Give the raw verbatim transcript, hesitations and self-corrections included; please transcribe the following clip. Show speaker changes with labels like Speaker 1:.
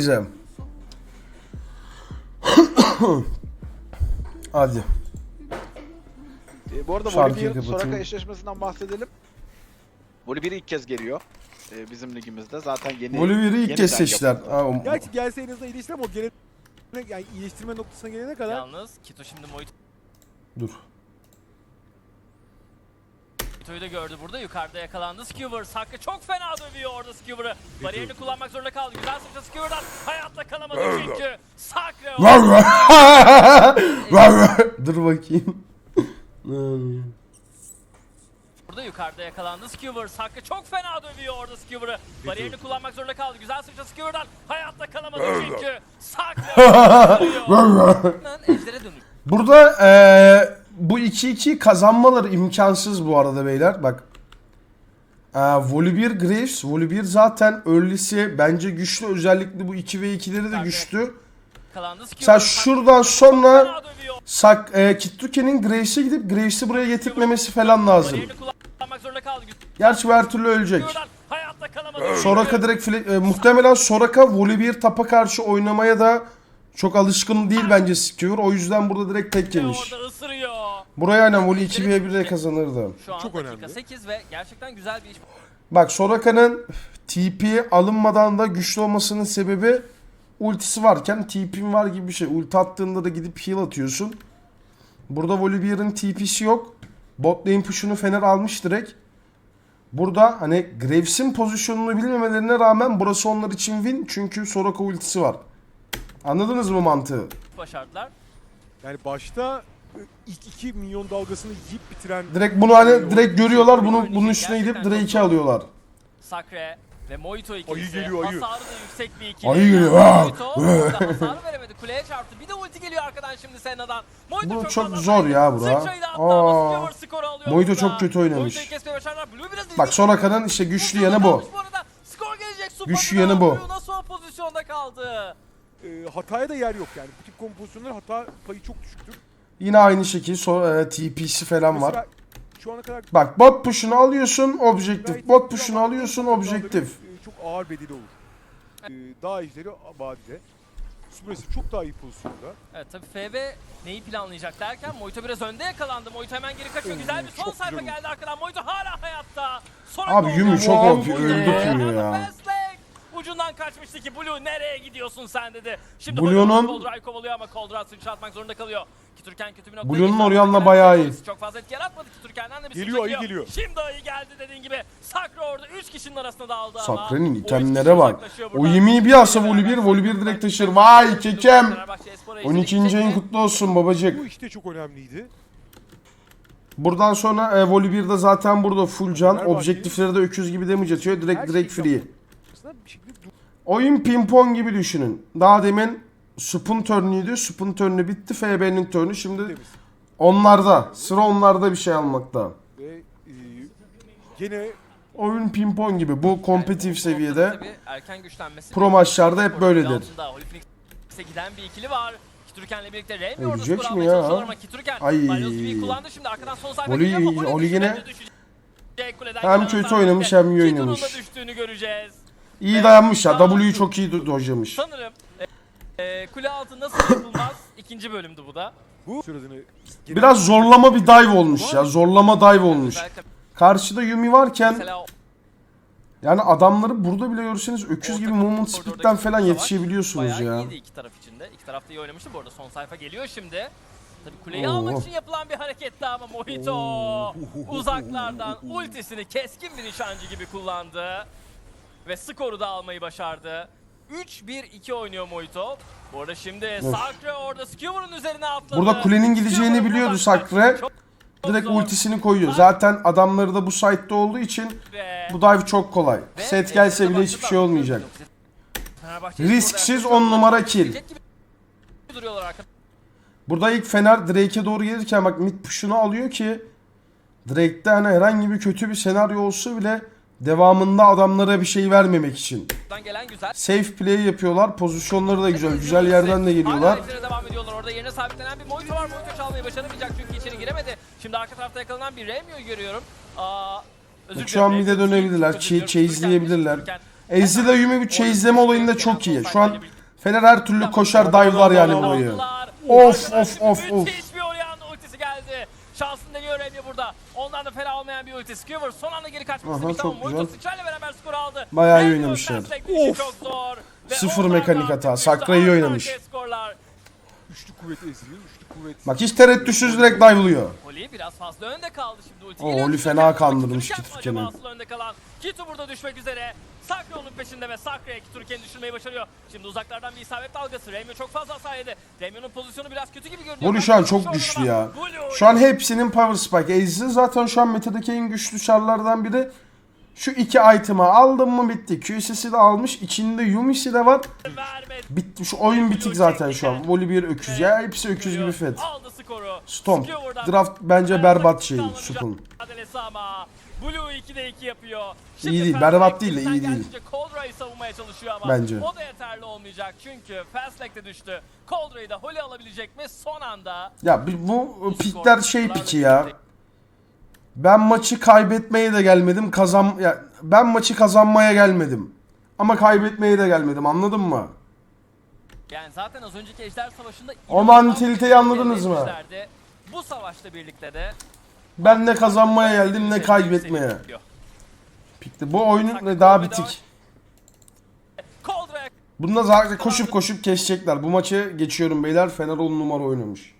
Speaker 1: Neyse. Hadi.
Speaker 2: E, bu arada
Speaker 1: Şarkıyı
Speaker 2: Voli bir
Speaker 1: kapatayım.
Speaker 2: Soraka eşleşmesinden bahsedelim. Voli bir ilk kez geliyor e, bizim ligimizde. Zaten yeni
Speaker 1: Volibear'ı ilk kez
Speaker 2: yeniden
Speaker 1: seçtiler.
Speaker 2: yapıldı.
Speaker 1: Ha, o-
Speaker 3: Gerçi gelse en azından iyileştir ama o gene yani iyileştirme noktasına gelene kadar
Speaker 4: Yalnız Kito şimdi Moito'yu
Speaker 1: Dur.
Speaker 4: da gördü burada. Yukarıda yakalandı Skewer. Hakkı çok fena dövüyor orada Skewer'ı. Bariyerini kullanmak zorunda kaldı. Güzel sıçra Skewer'dan. Hayatta kalamadı çünkü. Sakre
Speaker 1: Var var. Var var. Dur bakayım.
Speaker 4: burada yukarıda yakalandı Skewer. Hakkı çok fena dövüyor orada Skewer'ı. Bariyerini kullanmak zorunda kaldı. Güzel sıçra Skewer'dan. Hayatta kalamadı çünkü. Sakre Ejder'e dönüş.
Speaker 1: Burada eee bu iki iki kazanmaları imkansız bu arada beyler. Bak. Eee Volibear Graves. Volibear zaten early'si bence güçlü. Özellikle bu iki ve ikileri de güçlü.
Speaker 4: Yakalandı Skewer.
Speaker 1: Sen şuradan sonra
Speaker 4: Fena dövüyor.
Speaker 1: Sak, e, Kitruke'nin Graves'e gidip Graves'i buraya getirtmemesi falan lazım.
Speaker 4: Bariyerini kullanmak zorunda kaldı.
Speaker 1: Gerçi her türlü ölecek.
Speaker 4: Skewer'dan hayatta kalamadı.
Speaker 1: Soraka direkt file- e, muhtemelen Soraka Volibear tapa karşı oynamaya da çok alışkın değil bence Skewer. O yüzden burada direkt tek yemiş.
Speaker 4: Orada ısırıyor.
Speaker 1: Buraya aynen Voli iki ve bir'e kazanırdı.
Speaker 4: Şu an
Speaker 3: Çok
Speaker 4: dakika
Speaker 3: önemli.
Speaker 4: sekiz ve gerçekten güzel bir iş.
Speaker 1: Bak Soraka'nın T P alınmadan da güçlü olmasının sebebi ultisi varken T P'in var gibi bir şey. Ulti attığında da gidip heal atıyorsun. Burada Volibear'ın T P'si yok. Bot lane push'unu Fener almış direkt. Burada hani Graves'in pozisyonunu bilmemelerine rağmen burası onlar için win. Çünkü Soraka ultisi var. Anladınız mı mantığı?
Speaker 4: Başardılar.
Speaker 3: yani başta e, ilk iki milyon dalgasını yiyip bitiren
Speaker 1: Direkt bunu hani direkt görüyorlar. Bunu bunun üstüne gidip Drake'i alıyorlar.
Speaker 4: Sakre ve Moito ikilisi.
Speaker 3: Ayı geliyor, ayı.
Speaker 4: Hasarı da yüksek bir ikili.
Speaker 1: Ayı geliyor,
Speaker 4: Moito
Speaker 1: ha!
Speaker 4: orada hasarı veremedi. Kuleye çarptı. Bir de ulti geliyor arkadan şimdi Senna'dan. Moito
Speaker 1: Bu
Speaker 4: çok,
Speaker 1: çok
Speaker 4: fazla
Speaker 1: zor
Speaker 4: saydı.
Speaker 1: ya bura.
Speaker 4: Sıçrayı da attı ama
Speaker 1: Aa.
Speaker 4: Skewer skoru alıyor
Speaker 1: Moito
Speaker 4: burada.
Speaker 1: çok kötü oynamış.
Speaker 4: Moito'yu kesmeye başardılar. Blue biraz
Speaker 1: Bak Soraka'nın işte güçlü yanı bu.
Speaker 4: arada. Skor gelecek. Su
Speaker 1: Güçlü
Speaker 4: patına.
Speaker 1: yanı bu.
Speaker 4: Blue nasıl o pozisyonda kaldı?
Speaker 3: e, hataya da yer yok yani. Bu tip kompozisyonlar hata payı çok düşüktür.
Speaker 1: Yine aynı şekilde so e, T P'si falan var.
Speaker 3: Mesela şu ana kadar
Speaker 1: Bak bot push'unu alıyorsun objektif.
Speaker 3: gayet
Speaker 1: Bot
Speaker 3: iyi
Speaker 1: push'unu
Speaker 3: ama
Speaker 1: alıyorsun
Speaker 3: dalgaların,
Speaker 1: objektif.
Speaker 3: e, çok ağır bedeli olur. E, daha iyileri vadide. Subresif çok daha iyi pozisyonda.
Speaker 4: Evet tabii F B neyi planlayacak derken Moito biraz önde yakalandı. Moito hemen geri kaçıyor.
Speaker 3: Oo,
Speaker 4: Güzel bir son
Speaker 3: çok
Speaker 4: sayfa
Speaker 3: güzel
Speaker 4: geldi arkadan. Moito hala hayatta. Sonra
Speaker 1: Abi Yumi çok O P, öldü Yumi ya.
Speaker 4: Fastlane. Ucundan kaçmıştı ki Blue nereye gidiyorsun sen dedi. Şimdi
Speaker 1: Blue'nun-
Speaker 4: Coldray kovalıyor ama Coldray sıçratmak zorunda kalıyor. Kiturken kötü bir noktaya
Speaker 1: Blue'nun
Speaker 4: gitti.
Speaker 1: Orianna
Speaker 4: Arkadan
Speaker 1: bayağı iyi.
Speaker 4: Çok fazla etki yaratmadı Kiturken'den de bir
Speaker 3: Geliyor,
Speaker 4: sıçra
Speaker 3: ayı geliyor.
Speaker 4: Şimdi ayı geldi dediğin gibi. Sakra orada üç kişinin arasında dağıldı ama.
Speaker 1: Sakre'nin
Speaker 4: o üç
Speaker 1: itemlere
Speaker 4: kişi
Speaker 1: bak.
Speaker 4: uzaklaşıyor
Speaker 1: O
Speaker 4: buradan.
Speaker 1: yemeği bir alsa Volibear, Volibear direkt taşır. Vay kekem.
Speaker 4: Fenerbahçe Espor'a
Speaker 1: on ikinci ayın
Speaker 4: eşlik
Speaker 1: kutlu olsun babacık.
Speaker 3: Bu işte çok önemliydi.
Speaker 1: Buradan sonra e, Volibear'da zaten burada full can.
Speaker 3: Fenerbahçe-
Speaker 1: Objektiflere de öküz gibi damage atıyor. Direkt
Speaker 3: Her
Speaker 1: direkt
Speaker 3: şeyi
Speaker 1: free.
Speaker 3: yaptı. Aslında bir şekilde dur-
Speaker 1: Oyun pimpon gibi düşünün. Daha demin Sup'un turnuydu. Sup'un turnu bitti. F B'nin turnu. Şimdi
Speaker 3: temiz.
Speaker 1: onlarda. Sıra onlarda bir şey almakta.
Speaker 3: Ve e, gene
Speaker 1: Oyun pimpon gibi. Bu kompetitif seviyede.
Speaker 4: Tabii erken güçlenmesi.
Speaker 1: Pro maçlarda hep böyledir.
Speaker 4: Altında Holy Phoenix'e giden bir ikili var. Kiturken'le birlikte Remy orada
Speaker 1: Ölecek
Speaker 4: skor
Speaker 1: mi
Speaker 4: almaya
Speaker 1: ya?
Speaker 4: çalışıyorlar ama Kiturken
Speaker 1: Ay.
Speaker 4: Balyoz V'yi kullandı şimdi arkadan son sayfa
Speaker 1: Oli-
Speaker 4: geliyor ama Oli
Speaker 1: Oli
Speaker 4: düştü,
Speaker 1: yine
Speaker 4: Remy düşecek. Kuleden
Speaker 1: hem
Speaker 4: gelen
Speaker 1: kötü
Speaker 4: hasar
Speaker 1: oynamış
Speaker 4: birlikte
Speaker 1: hem iyi
Speaker 4: Kitur'un da
Speaker 1: oynamış.
Speaker 4: düştüğünü göreceğiz.
Speaker 1: İyi dayanmış ya. W'yu çok iyi do- dojlamış.
Speaker 4: Sanırım e, e, kule altı nasıl yapılmaz ikinci bölümdü bu da.
Speaker 3: bu süresini
Speaker 1: Biraz zorlama bir dive olmuş ya. Zorlama dive olmuş.
Speaker 4: Özellikle
Speaker 1: Karşıda Yumi varken
Speaker 4: mesela
Speaker 1: yani adamları burada bile görürseniz öküz gibi
Speaker 4: orta
Speaker 1: movement
Speaker 4: koridordaki
Speaker 1: speed'den falan
Speaker 4: savaş
Speaker 1: yetişebiliyorsunuz
Speaker 4: bayağı
Speaker 1: ya.
Speaker 4: iyiydi iki taraf içinde. İki taraf da iyi oynamıştı. Bu arada son sayfa geliyor şimdi. Tabii kuleyi
Speaker 1: Oo.
Speaker 4: almak için yapılan bir hareketti ama Mojito uzaklardan ultisini keskin bir nişancı gibi kullandı. Ve skoru da almayı başardı. üç bir iki oynuyor Mojito. Bu arada şimdi Sakre orada Skewer'ın üzerine atladı.
Speaker 1: Burada kulenin gideceğini
Speaker 4: Skewer
Speaker 1: biliyordu
Speaker 4: uzaklaştı.
Speaker 1: Sakre.
Speaker 4: Çok
Speaker 1: Direkt
Speaker 4: zor.
Speaker 1: ultisini koyuyor. Zaten adamları da bu site'de olduğu için
Speaker 4: Ve-
Speaker 1: bu dive çok kolay.
Speaker 4: ve
Speaker 1: Set gelse bile
Speaker 4: ekrana
Speaker 1: hiçbir
Speaker 4: baktılar.
Speaker 1: şey olmayacak.
Speaker 4: Fenerbahçe
Speaker 1: Risksiz
Speaker 4: Spor'da
Speaker 1: on numara kill.
Speaker 4: gibi duruyorlar arkada.
Speaker 1: Burada ilk Fener Drake'e doğru gelirken bak mid push'unu alıyor ki Drake'de hani herhangi bir kötü bir senaryo olsa bile devamında adamlara bir şey vermemek için.
Speaker 4: Buradan gelen güzel.
Speaker 1: Safe play yapıyorlar. Pozisyonları da güzel. Güzel yerden de geliyorlar.
Speaker 4: Hala içeri devam ediyorlar. Orada yerine sabitlenen bir Mojito var. Mojito çalmayı başaramayacak çünkü içeri giremedi. Şimdi arka tarafta yakalanan bir Remio'yu görüyorum. Aa, özür
Speaker 1: Şu an
Speaker 4: dilerim.
Speaker 1: mid'e dönebilirler.
Speaker 4: Özür diliyorum.
Speaker 1: Chase'leyebilirler.
Speaker 4: Türkan-
Speaker 1: Ezreal Yumi bu chase'leme olayında çok iyi. Şu an Fener her türlü koşar dive'lar yani burayı. Of of of of.
Speaker 4: Müthiş bir Orianna ultisi geldi. Şansını deniyor Remy burada. Ondan da fena olmayan bir ulti. Skewer son anda geri kaçmak
Speaker 1: Aha,
Speaker 4: istemiş ama
Speaker 1: çok
Speaker 4: Moito
Speaker 1: güzel.
Speaker 4: sıçrayla beraber skor aldı.
Speaker 1: Bayağı iyi
Speaker 4: Remy
Speaker 1: oynamışlar.
Speaker 4: Fastback işi
Speaker 3: Of.
Speaker 4: çok zor. Ve
Speaker 1: Sıfır
Speaker 4: onlardan
Speaker 1: mekanik hata.
Speaker 4: düştü.
Speaker 1: Sakra iyi
Speaker 4: Arka
Speaker 1: oynamış.
Speaker 4: arkaya skorlar.
Speaker 3: Üçlü kuvveti eziliyor. Üçlü kuvvet.
Speaker 1: Bak hiç tereddütsüz direkt dive'lıyor.
Speaker 4: Oli biraz fazla önde kaldı şimdi ulti.
Speaker 1: Oo,
Speaker 4: geliyor.
Speaker 1: Oli
Speaker 4: Kitu
Speaker 1: fena
Speaker 4: yapmak
Speaker 1: kandırmış
Speaker 4: istiyor.
Speaker 1: Kitu
Speaker 4: Acaba
Speaker 1: Tüken'i.
Speaker 4: asıl önde kalan. Kitu burada düşmek üzere. Sakra onun peşinde ve Sakra'ya Kitu Tüken'i düşürmeyi başarıyor. Şimdi uzaklardan bir isabet dalgası. Remyo çok fazla hasar yedi. Remyo'nun pozisyonu biraz kötü gibi görünüyor.
Speaker 1: Voli şu an çok güçlü ya. Şu an hepsinin power spike. Aze'i zaten şu an metadaki en güçlü çarlardan biri. Şu iki item'ı aldım mı bitti. Q S'si de almış. İçinde Yumi'si de var. Bitti. Şu oyun bitik zaten şu an. Voli bir öküz ya. Hepsi öküz gibi fet.
Speaker 4: Aldı skoru.
Speaker 1: Stomp.
Speaker 4: Skewer'dan
Speaker 1: Draft bence berbat şey. Sup'un.
Speaker 4: mücadelesi ama Blue ikide iki yapıyor.
Speaker 1: İyi değil,
Speaker 4: Fastback
Speaker 1: berbat değil de
Speaker 4: elinden
Speaker 1: iyi değil.
Speaker 4: geldiğince Coldra'yı savunmaya çalışıyor ama
Speaker 1: Bence.
Speaker 4: o da yeterli olmayacak çünkü Fastback de düştü. Coldra'yı da Holy alabilecek mi son anda?
Speaker 1: Ya bir- bu pikler şey piki ya. Ben maçı kaybetmeye de gelmedim. Kazan ya ben maçı kazanmaya gelmedim. Ama kaybetmeye de gelmedim. Anladın mı?
Speaker 4: Yani zaten az önceki Ejder Savaşı'nda
Speaker 1: O
Speaker 4: inanılmaz
Speaker 1: mantaliteyi
Speaker 4: bir
Speaker 1: anladınız mı?
Speaker 4: etmişlerdi. Bu savaşla birlikte de
Speaker 1: Ben ne kazanmaya geldim ne kaybetmeye. Pikti. Bu oyunun daha bitik.
Speaker 4: Coldra'ya
Speaker 1: Bunda zaten koşup koşup kesecekler. Bu maçı geçiyorum beyler. Fener on numara oynamış.